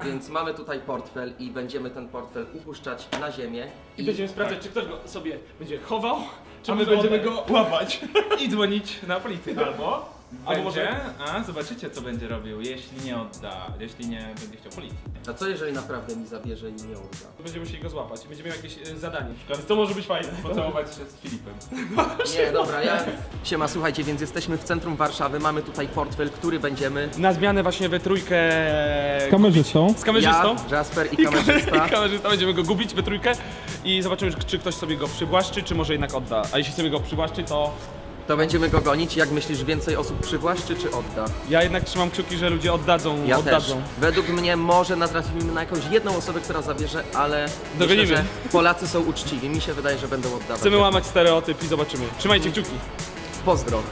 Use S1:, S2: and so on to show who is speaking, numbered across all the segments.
S1: Więc mamy tutaj portfel i będziemy ten portfel upuszczać na ziemię.
S2: I będziemy sprawdzać, czy ktoś go sobie będzie chował, czy
S3: A my
S2: może
S3: będziemy
S2: oddać.
S3: go łapać i dzwonić na policję.
S2: Albo może...
S3: A zobaczycie co będzie robił, jeśli nie odda, jeśli nie będzie chciał policji.
S1: A co jeżeli naprawdę mi zabierze i nie odda?
S2: Będziemy musieli go złapać i będziemy mieli jakieś zadanie. Więc to może być fajne.
S3: Pocałować się z Filipem.
S1: Nie, dobra, Siema, słuchajcie, więc jesteśmy w centrum Warszawy, mamy tutaj portfel, który będziemy...
S2: Na zmianę właśnie we trójkę...
S4: Z kamerzystą.
S2: Z kamerzystą.
S1: Ja, Jasper i kamerzysta.
S2: Kamerzysta, będziemy go gubić we trójkę i zobaczymy, czy ktoś sobie go przywłaszczy, czy może jednak odda. A jeśli sobie go przywłaszczy, to
S1: To będziemy go gonić. Jak myślisz, więcej osób przywłaszczy czy odda?
S2: ja jednak trzymam kciuki, że ludzie oddadzą.
S1: Ja
S2: oddadzą.
S1: też. Według mnie może natrafimy na jakąś jedną osobę, która zabierze, ale
S2: Dogonimy.
S1: myślę, że Polacy są uczciwi. Mi się wydaje, że będą oddawać.
S2: Chcemy łamać stereotyp i zobaczymy. Trzymajcie kciuki.
S1: Pozdro.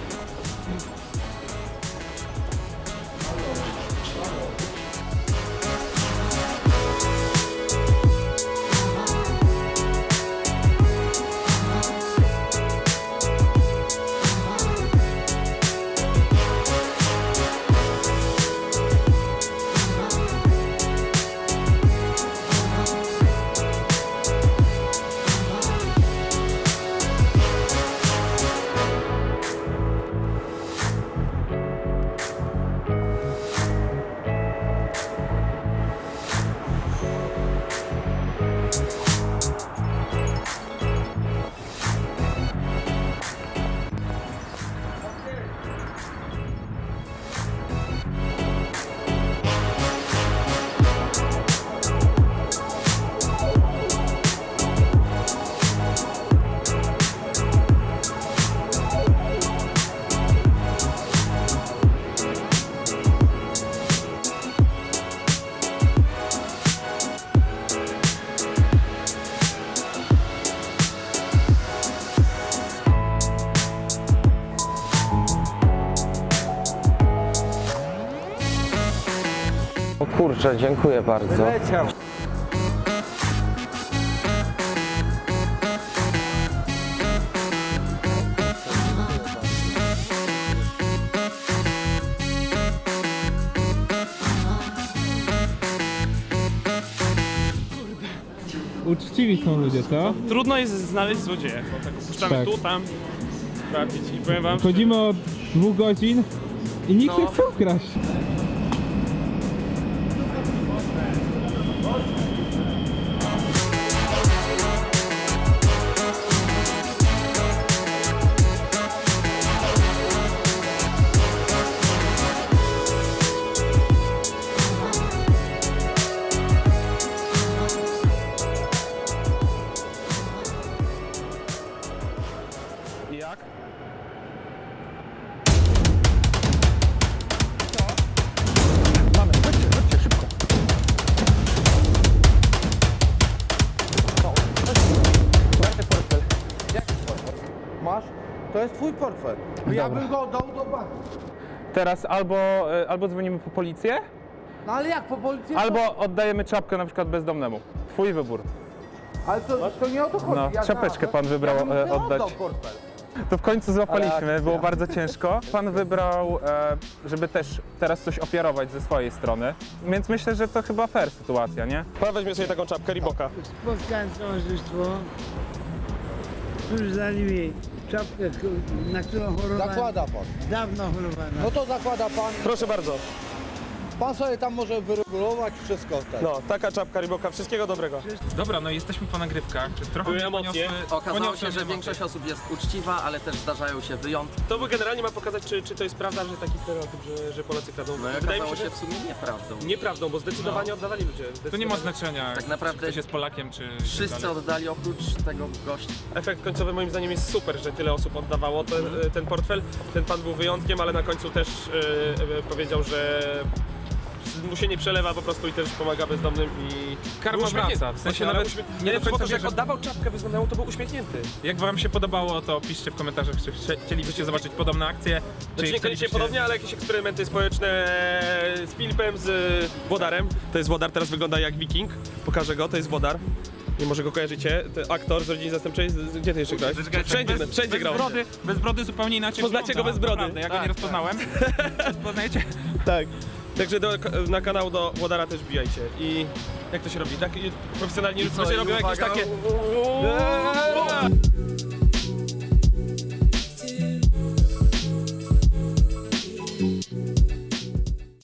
S1: O kurczę, dziękuję bardzo.
S4: Uczciwi są ludzie, co?
S2: Trudno jest znaleźć złodzieja, bo tak opuszczamy
S4: Tak.
S2: tu, tam, sprawdzić i powiem wam,
S4: Chodzimy od 2 godzin i nikt
S1: No.
S4: nie chce ukraść.
S2: jak?
S5: Masz? To jest twój portfel. Ja bym go oddał do banku.
S6: Teraz albo dzwonimy po policję,
S5: No ale jak po policji?
S6: albo oddajemy czapkę na przykład bezdomnemu. Twój wybór.
S5: Ale to nie o to chodzi.
S6: No,
S5: ja
S6: czapeczkę
S5: znalazłem.
S6: pan wybrał,
S5: Ja bym sobie
S6: oddać.
S5: oddał portfel.
S6: To w końcu
S5: Ale
S6: złapaliśmy,
S5: akcja.
S6: było bardzo ciężko. Pan wybrał, żeby też teraz coś ofiarować ze swojej strony, więc myślę, że to chyba fair sytuacja, nie?
S2: Pan weźmie sobie taką czapkę Reeboka.
S7: Spotkałem towarzystwo, którzy dali mi czapkę, na którą chorowałem.
S5: Zakłada pan.
S7: Dawno chorowałem.
S5: No to zakłada pan.
S2: Proszę bardzo.
S5: Pan sobie tam może wyregulować wszystko wtedy.
S2: No, taka czapka Reeboka, wszystkiego dobrego.
S3: Dobra, no jesteśmy po nagrywkach. Trochę
S2: Były
S3: mnie
S2: emocje.
S1: Okazało
S3: poniosły
S1: się, że
S3: emocje.
S1: większość osób jest uczciwa, ale też zdarzają się wyjątki.
S2: To by generalnie ma pokazać, czy to jest prawda, że taki stereotyp, że Polacy kradną.
S1: No i
S2: Wydaje mi
S1: okazało
S2: się,
S1: się
S2: że
S1: w sumie nieprawdą.
S2: nieprawdą, bo zdecydowanie oddawali ludzie.
S3: To nie ma znaczenia,
S1: Tak naprawdę
S3: czy ktoś jest Polakiem, czy...
S1: Wszyscy oddali oprócz tego gościa.
S2: Efekt końcowy moim zdaniem jest super, że tyle osób oddawało ten portfel. Ten pan był wyjątkiem, ale na końcu też powiedział, że mu się nie przelewa po prostu i też pomaga bezdomnym i...
S3: Karma
S2: był uśmiechnięty.
S3: wraca, w sensie
S2: Ale
S3: nawet
S2: uśmie-
S3: nie do
S2: lepsze było
S3: końca
S2: to, że jak
S3: wierzę.
S2: oddawał czapkę bezdomnemu, to był uśmiechnięty.
S3: Jak wam się podobało, to piszcie w komentarzach, czy chcielibyście zobaczyć podobne akcje.
S2: Znaczy niekoniecznie podobnie, ale jakieś eksperymenty społeczne z Filipem, z Włodarem. To jest Włodar, teraz wygląda jak wiking. Pokażę go, to jest Włodar. Nie może go kojarzycie. To aktor z Rodziny Zastępczej. Gdzie ty jeszcze grałeś? Wszędzie grał.
S3: Bez brody zupełnie inaczej
S2: Poznacie
S3: wygląda,
S2: go bez brody.
S3: naprawdę, ja go
S2: Tak,
S3: nie rozpoznałem. Poznajecie?
S2: Tak. Także na kanał do Włodara też wbijajcie. I jak to się robi? Tak profesjonalni
S1: I co,
S2: ludzie
S1: i
S2: robią jakieś
S1: uwaga.
S2: takie...